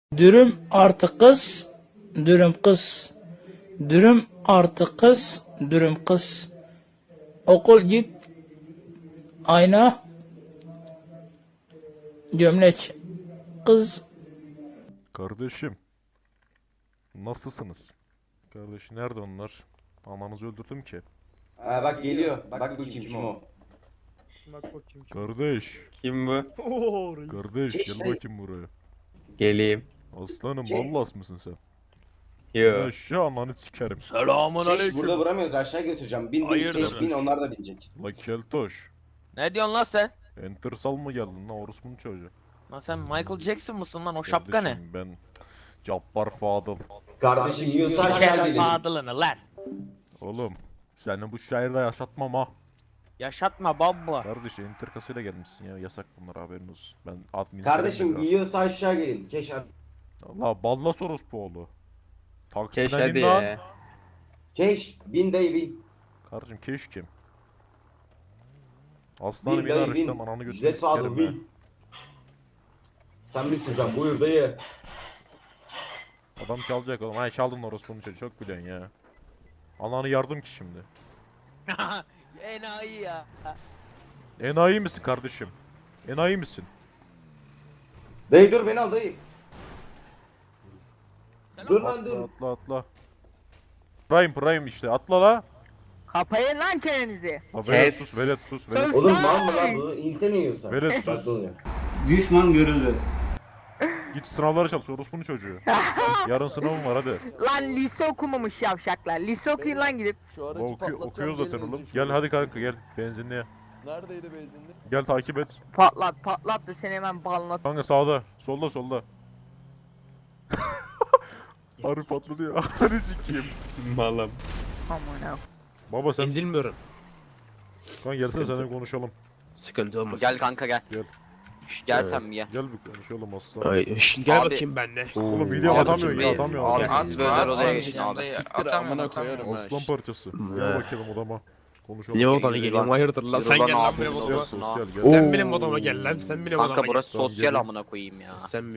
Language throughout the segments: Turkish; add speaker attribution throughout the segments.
Speaker 1: Dürüm artı kız, dürüm kız. Dürüm artı kız, dürüm kız. Okul git, ayna, gömlek. Kız.
Speaker 2: Kardeşim, nasılsınız? Kardeş nerede onlar? Ananızı öldürdüm ki.
Speaker 3: Ha bak geliyor. Bak bakayım kim o.
Speaker 4: Bak bakayım kim.
Speaker 2: Kardeş,
Speaker 5: Kim bu?
Speaker 4: Oo reis.
Speaker 2: kardeş
Speaker 3: Geç
Speaker 2: gel
Speaker 3: dayı.
Speaker 2: bakayım buraya.
Speaker 5: Geleyim.
Speaker 2: Aslanım
Speaker 3: Şey-
Speaker 2: Ballas mısın sen?
Speaker 5: Yo.
Speaker 2: Aşağı ananı sikerim.
Speaker 6: Selamun
Speaker 3: Geç,
Speaker 6: aleyküm.
Speaker 3: burada vuramıyoruz, aşağı götüreceğim. Bin bin,
Speaker 6: Hayırdır?
Speaker 3: geç bin, onlar da binecek.
Speaker 2: La keltoş.
Speaker 6: Ne diyorsun lan sen?
Speaker 2: Enter sal mı geldin lan orospunun çocuğu?
Speaker 6: Lan sen Michael Jackson mısın lan, o şapka ne?
Speaker 2: Kardeşim, ben Cabbar Fadıl.
Speaker 3: Kardeşim yiyorsa aşağı
Speaker 6: Sikerim
Speaker 3: gelin.
Speaker 6: fadılını lan.
Speaker 2: Oğlum seni bu şehirde yaşatmam ha.
Speaker 6: Yaşatma baba.
Speaker 2: Kardeş enter kasıyla gelmişsin ya, yasak bunlar, haberin olsun. Ben admin
Speaker 3: Kardeşim yiyorsa aşağı gelin. Keş abi.
Speaker 2: Allah Ballas orospu oğlu.
Speaker 5: Keş
Speaker 2: Taksiden
Speaker 5: hadi
Speaker 2: in lan.
Speaker 5: ya.
Speaker 3: Keş, bin dayı bin.
Speaker 2: Kardeşim keş kim? Aslanım
Speaker 3: Bin
Speaker 2: yine
Speaker 3: dayı
Speaker 2: arıştım,
Speaker 3: bin.
Speaker 2: ananı götünü
Speaker 3: Jet Fadıl
Speaker 2: sikerim ha.
Speaker 3: bin. Sen bir süreceğim, buyur dayı.
Speaker 2: Adam çalacak oğlum. Hay çaldın orospunun çocuğu, çok biliyorsun ya. Ananı yardım ki şimdi.
Speaker 6: Enayi ya.
Speaker 2: Enayi misin kardeşim? Enayi misin?
Speaker 3: Dayı dur, beni al dayı. Dur lan
Speaker 2: Atla
Speaker 3: dur.
Speaker 2: atla atla. Prime işte, atla la.
Speaker 6: Kapayın lan çenenizi.
Speaker 2: La velet
Speaker 5: Kes.
Speaker 2: sus, velet sus, velet sus.
Speaker 3: Oğlum mal mı lan bu? İnsene yiyorsa.
Speaker 2: Velet sus.
Speaker 3: Bak oluyor.
Speaker 7: Düşman görüldü.
Speaker 2: Git sınavlara çalış orospunun çocuğu. Yarın sınavım var hadi.
Speaker 6: Lan lise okumamış yavşaklar. Lise okuyun lan gidip.
Speaker 8: Şu aracı
Speaker 2: Okuyoruz zaten
Speaker 8: gelin
Speaker 2: oğlum.
Speaker 8: ezin
Speaker 2: Gel
Speaker 8: şunu.
Speaker 2: hadi kanka gel benzinliğe.
Speaker 8: Neredeydi benzinli?
Speaker 2: Gel takip et.
Speaker 6: Patlat da seni hemen balına.
Speaker 2: Kanka sağda, solda. Harbi patladı ya. Hadi sikeyim.
Speaker 5: Malım.
Speaker 6: Aman ha.
Speaker 2: Baba sen
Speaker 9: Ezilmiyorum.
Speaker 2: kanka gelsene seninle konuşalım.
Speaker 9: Sıkıntı olmaz.
Speaker 10: Gel kanka gel.
Speaker 2: Gel.
Speaker 10: Gel sen bir gel.
Speaker 2: Gel bir konuşalım aslan.
Speaker 9: Ay, gel
Speaker 10: Abi-
Speaker 9: bakayım benle.
Speaker 2: Oğlum video
Speaker 10: Abi
Speaker 2: atamıyorsun
Speaker 10: siz
Speaker 2: ya,
Speaker 10: bir-
Speaker 2: atamıyorsun.
Speaker 10: Abi
Speaker 2: Atamıyorsun.
Speaker 10: siz böyle odaya geçin abi.
Speaker 8: Siktir amına koyarım ha.
Speaker 2: Aslan parçası. Gel bakayım odama. Konuşalım.
Speaker 9: Niye odana geliyorum? Hayırdır lan? Sen
Speaker 10: Yürü
Speaker 9: gel
Speaker 10: lan
Speaker 9: lan
Speaker 10: abi,
Speaker 9: benim
Speaker 10: yürü
Speaker 9: odama.
Speaker 10: lan.
Speaker 2: Sosyal gel.
Speaker 9: Sen benim odama gel lan. Sen benim odama
Speaker 10: Kanka
Speaker 9: gel.
Speaker 10: burası
Speaker 2: Tamam,
Speaker 10: sosyal
Speaker 2: gelin.
Speaker 10: amına koyayım ya.
Speaker 9: Sen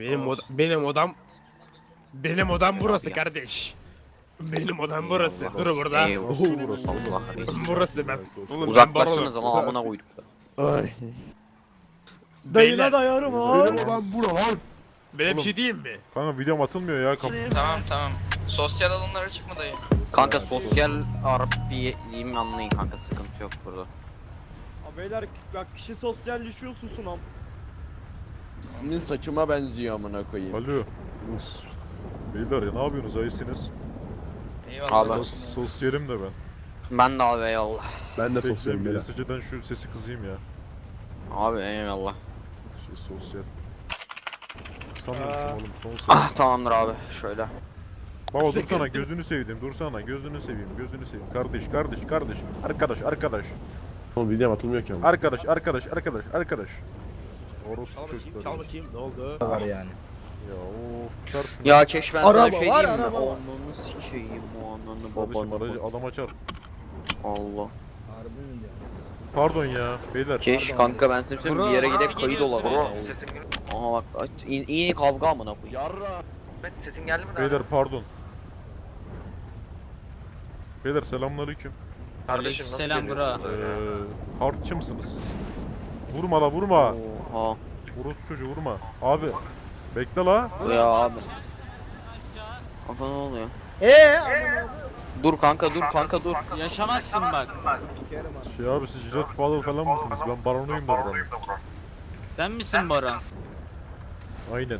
Speaker 9: benim odam burası
Speaker 10: ya.
Speaker 9: kardeş. Benim odam burası. Dur burada.
Speaker 10: Eyvallah.
Speaker 2: Burası.
Speaker 10: Allah kahretsin.
Speaker 9: Burası ben. Oğlum ben
Speaker 10: Uzaklaşsınız
Speaker 9: baronum.
Speaker 10: ama amına koyduk da.
Speaker 8: Ay.
Speaker 9: Beyler,
Speaker 4: dayarım ha.
Speaker 8: Benim olan bura lan.
Speaker 9: ben bir şey diyeyim mi?
Speaker 2: Kanka videom atılmıyor ya.
Speaker 11: Tamam. Sosyal alanlara çıkma dayı.
Speaker 10: Kanka sosyal Arap bir diyeyim anlayın kanka, sıkıntı yok burada.
Speaker 4: Beyler bak kişi sosyalleşiyor, susun am.
Speaker 8: İsmin saçıma benziyor amına koyayım.
Speaker 2: Alo. Beyler ya ne yapıyorsunuz, ayısınız?
Speaker 11: Eyvallah.
Speaker 10: Abi
Speaker 2: Sosyalim de ben.
Speaker 10: ben de abi eyvallah.
Speaker 8: Ben de
Speaker 2: Bekleyin bir SC'den şu sesi kızayım ya.
Speaker 10: Abi eyvallah.
Speaker 2: Sosyal. Sanmıyorum oğlum son ses.
Speaker 10: Ah tamamdır abi şöyle.
Speaker 2: Baba dursana, gözünü seveyim, dursana, gözünü seveyim. Kardeş. Arkadaş.
Speaker 8: Oğlum videom atılmıyor ki ama.
Speaker 2: Arkadaş. Orospu
Speaker 9: Çal
Speaker 2: çocukları.
Speaker 9: bakayım ne oldu?
Speaker 2: Ya of. Çarp şunu.
Speaker 10: Ya keş ben sana bir
Speaker 4: Araba
Speaker 10: şey
Speaker 4: var,
Speaker 10: diyeyim mi?
Speaker 4: araba var.
Speaker 10: Ananı sikeyim o ananı
Speaker 2: Kardeşim
Speaker 10: babanı.
Speaker 2: aracı adam açar.
Speaker 10: Allah.
Speaker 2: Pardon ya beyler.
Speaker 10: Keş kanka ben sana söyleyeyim, bir yere
Speaker 11: Nasıl
Speaker 10: gidip kayıt
Speaker 11: geliyorsun
Speaker 10: olalım.
Speaker 11: ya? Sesin gel-
Speaker 10: Aha bak iyi kavga amına koyayım.
Speaker 8: Yarra.
Speaker 11: Ben sesin geldi mi daha?
Speaker 2: Beyler pardon. Beyler selamünaleyküm.
Speaker 11: Kardeşim nasıl
Speaker 6: Selam
Speaker 11: geliyorsun?
Speaker 2: Hardçı mısınız siz? Vurma la vurma.
Speaker 10: Oha.
Speaker 2: Orospu çocuğu vurma. Abi. Bekle la.
Speaker 10: Ya abi. Kanka ne oluyor? Dur kanka dur.
Speaker 6: Yaşamazsın bak.
Speaker 2: Şey abi siz jilet falan mısınız? Ben baronuyum da buranın.
Speaker 6: Sen misin Baran?
Speaker 2: Aynen.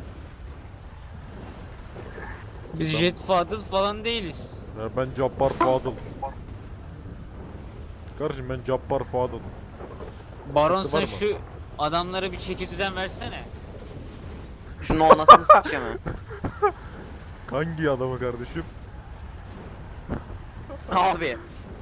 Speaker 6: Biz Jet Fadıl falan değiliz.
Speaker 2: Ya ben Cabbar Fadıl. Kardeşim ben Cabbar Fadıl.
Speaker 6: Baron
Speaker 2: Sıkıntı var
Speaker 6: sen
Speaker 2: mı?
Speaker 6: şu adamlara bir çeki düzen versene.
Speaker 10: Şunun anasını sikeceğim ha.
Speaker 2: Hangi adamı kardeşim?
Speaker 10: Abi.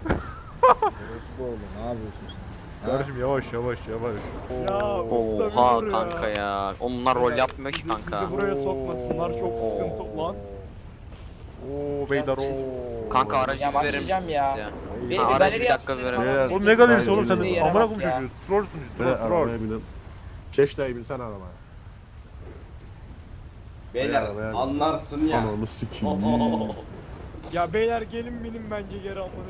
Speaker 2: Kardeşim yavaş.
Speaker 4: Ya usta bir
Speaker 10: Oha
Speaker 4: dur ya.
Speaker 10: kanka ya. Onlar rol yapmıyor ki kanka.
Speaker 4: Bizi buraya sokmasınlar, çok sıkıntı lan.
Speaker 2: Oo beyler oo.
Speaker 10: Kanka aracı
Speaker 11: Ya
Speaker 10: verir
Speaker 11: başlayacağım
Speaker 10: misiniz
Speaker 11: ya.
Speaker 10: ya?
Speaker 11: Beni-
Speaker 10: Ha,
Speaker 11: ben
Speaker 10: aracı bir
Speaker 11: nereye
Speaker 10: dakika
Speaker 11: atayım?
Speaker 10: verelim.
Speaker 2: Oğlum ne galerisi oğlum sen
Speaker 11: Bir
Speaker 2: de
Speaker 11: yere
Speaker 2: amına
Speaker 11: bak
Speaker 2: koyayım
Speaker 11: ya.
Speaker 2: çocuğu. Trollsün işte troll.
Speaker 8: Arabaya binin. Keşle binsene arabaya.
Speaker 3: Beyler anlarsın ya.
Speaker 8: Ananı sikeyim.
Speaker 4: Ya beyler gelin benim bence geri amına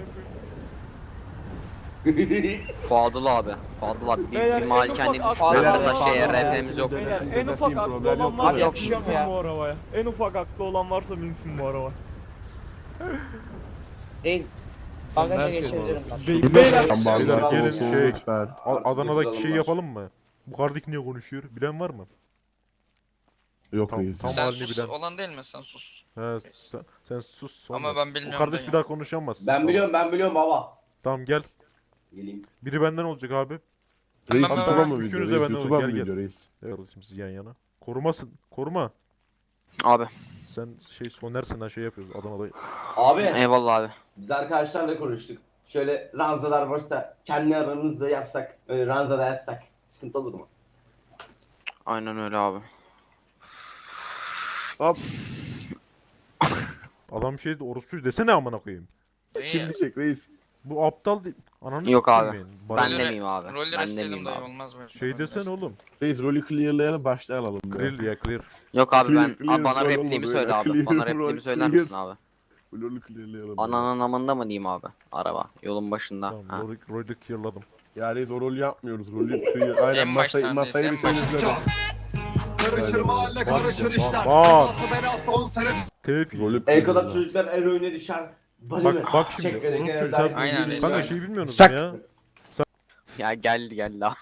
Speaker 10: Fadıl abi. Fadıl abi.
Speaker 4: Beyler,
Speaker 10: Bir
Speaker 4: en
Speaker 10: malikane
Speaker 4: ufak
Speaker 10: düşman
Speaker 4: aklı
Speaker 10: olsa
Speaker 4: olan
Speaker 10: şeye
Speaker 4: var.
Speaker 10: RP'miz yok.
Speaker 4: koyayım. Beyler en ufak aklı
Speaker 8: problem
Speaker 4: olan
Speaker 8: yok.
Speaker 4: varsa
Speaker 11: Abi yakışıyor mu
Speaker 4: binsin
Speaker 11: ya?
Speaker 4: bu arabaya. En ufak aklı olan varsa binsin bu arabaya.
Speaker 11: Reis. Bagaja geçebilirim ben.
Speaker 4: Beyler
Speaker 2: Beyler gelin şey
Speaker 8: lütfen.
Speaker 2: Adana'daki şey yapalım mı? Bu kardeş niye konuşuyor? Bilen var mı?
Speaker 8: Yok
Speaker 2: Tam-
Speaker 8: reis.
Speaker 2: tam-
Speaker 11: Sen
Speaker 2: halini
Speaker 11: sus
Speaker 2: bilen.
Speaker 11: olan değil mi? Sen sus.
Speaker 2: He sen sus sonra.
Speaker 11: Ama ben
Speaker 2: O
Speaker 11: bilmiyorum.
Speaker 2: kardeş
Speaker 11: dayı.
Speaker 2: bir daha konuşamaz.
Speaker 3: Ben biliyorum baba.
Speaker 2: Tamam gel.
Speaker 3: Geleyim.
Speaker 2: Biri benden olacak abi.
Speaker 8: Reis
Speaker 11: Ben-
Speaker 8: YouTube'a mı
Speaker 2: Üçünüze
Speaker 8: video? Reis
Speaker 2: ben de
Speaker 8: YouTube'a
Speaker 2: gel,
Speaker 8: mı
Speaker 2: gel.
Speaker 8: video reis?
Speaker 2: Evet kardeşim siz yan yana. Korumasın. Koruma.
Speaker 10: Abi.
Speaker 2: Sen şey Soner'sin ha şey yapıyoruz Adana'da.
Speaker 3: Abi
Speaker 10: Eyvallah abi.
Speaker 3: biz arkadaşlarla konuştuk. Şöyle ranzalar varsa kendi aramızda yapsak, ranzada yazsak sıkıntı olur mu?
Speaker 10: Aynen öyle abi.
Speaker 8: Hop.
Speaker 2: Adam şey orospu desene amına koyayım.
Speaker 11: Dayı,
Speaker 8: Şimdi çek reis.
Speaker 2: Bu aptal değil. Ananı
Speaker 10: Yok
Speaker 2: sikeyim
Speaker 10: abi.
Speaker 2: yani.
Speaker 10: Ben
Speaker 2: Bana-
Speaker 11: Roller-
Speaker 10: demeyeyim abi.
Speaker 11: Roller
Speaker 10: Ben
Speaker 11: isteyelim
Speaker 10: demeyeyim
Speaker 11: dayı
Speaker 10: abi.
Speaker 11: olmaz böyle.
Speaker 2: Şey desene oğlum.
Speaker 8: Reis rolü clearlayalım başlayalım.
Speaker 2: Clear ya clear.
Speaker 10: Yok abi ben
Speaker 8: Clear
Speaker 10: bana
Speaker 8: rol
Speaker 10: repliğimi
Speaker 8: olmadı
Speaker 10: söyle
Speaker 8: ya.
Speaker 10: abi.
Speaker 8: Clear
Speaker 10: Bana
Speaker 8: rol,
Speaker 10: repliğimi söyler
Speaker 8: clear.
Speaker 10: misin abi?
Speaker 8: Rolü clearlayalım.
Speaker 10: Ananın amında mı diyeyim abi? Araba. Yolun başında.
Speaker 2: Tamam
Speaker 10: Ha.
Speaker 2: rolü clearladım.
Speaker 8: Ya reis o rolü yapmıyoruz. Rolü clear. Aynen
Speaker 11: En baştan reis,
Speaker 8: masayı
Speaker 11: en
Speaker 8: bir temizledim.
Speaker 2: Karışır mahalle karışır işler. Bak. Tevfik.
Speaker 8: Rolü
Speaker 3: El kadar
Speaker 8: clearla.
Speaker 3: çocuklar eroine düşer. Bali mi?
Speaker 2: Bak şimdi.
Speaker 3: Çek beni,
Speaker 2: Orospu
Speaker 3: gel,
Speaker 2: sen-
Speaker 11: Aynen reis.
Speaker 2: Kanka
Speaker 11: aynen.
Speaker 2: şey bilmiyorsunuz
Speaker 3: Şak.
Speaker 2: ya.
Speaker 10: Ya gel la.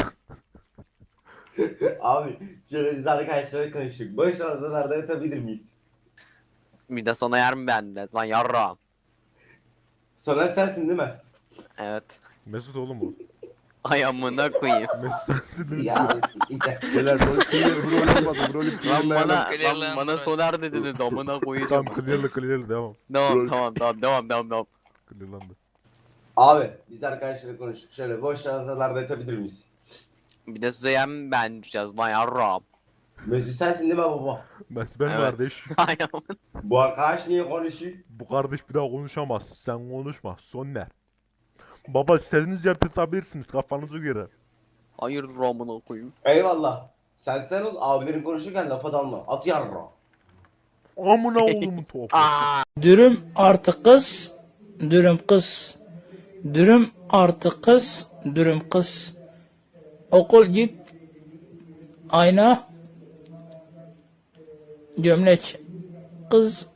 Speaker 3: Abi şöyle biz arkadaşlarla konuştuk. Boş ranzalarda yatabilir miyiz?
Speaker 10: Bir de sana yer mi bende? Lan yarrağım.
Speaker 3: Soner sensin değil mi?
Speaker 10: Evet.
Speaker 2: Mesut oğlum bu.
Speaker 10: Ay amına koyayım.
Speaker 2: Mesut sensin değil mi?
Speaker 3: Ya.
Speaker 8: Beyler rolü clear. Bu rolü olmadı. Bu rolü
Speaker 10: Lan
Speaker 8: clearlayalım.
Speaker 10: bana,
Speaker 11: Clearlayalım
Speaker 10: lan bana
Speaker 11: burayı.
Speaker 10: soner dediniz amına koyacağım.
Speaker 2: Tamam clearla devam.
Speaker 10: Devam.
Speaker 2: Clearlandı.
Speaker 3: Abi biz arkadaşlarla konuştuk. Şöyle boş ranzalarda yatabilir miyiz?
Speaker 10: Bir de size yer mi beğeneceğiz lan yarrağım.
Speaker 3: Mesut sensin değil mi baba?
Speaker 2: Ben
Speaker 10: Evet.
Speaker 2: kardeş.
Speaker 10: Ay amına.
Speaker 3: Bu arkadaş niye konuşuyor?
Speaker 2: Bu kardeş bir daha konuşamaz. Sen konuşma. Soner. Baba istediğiniz yerde tutabilirsiniz kafanıza göre.
Speaker 10: Hayırdır amına koyayım.
Speaker 3: Eyvallah. Sen ol abilerin konuşurken lafa dalma. At yarra.
Speaker 2: Amına oğlumun topu.
Speaker 1: Dürüm artı kız, dürüm kız. Dürüm artı kız, dürüm kız. Okul git. Ayna. Gömlek. Kız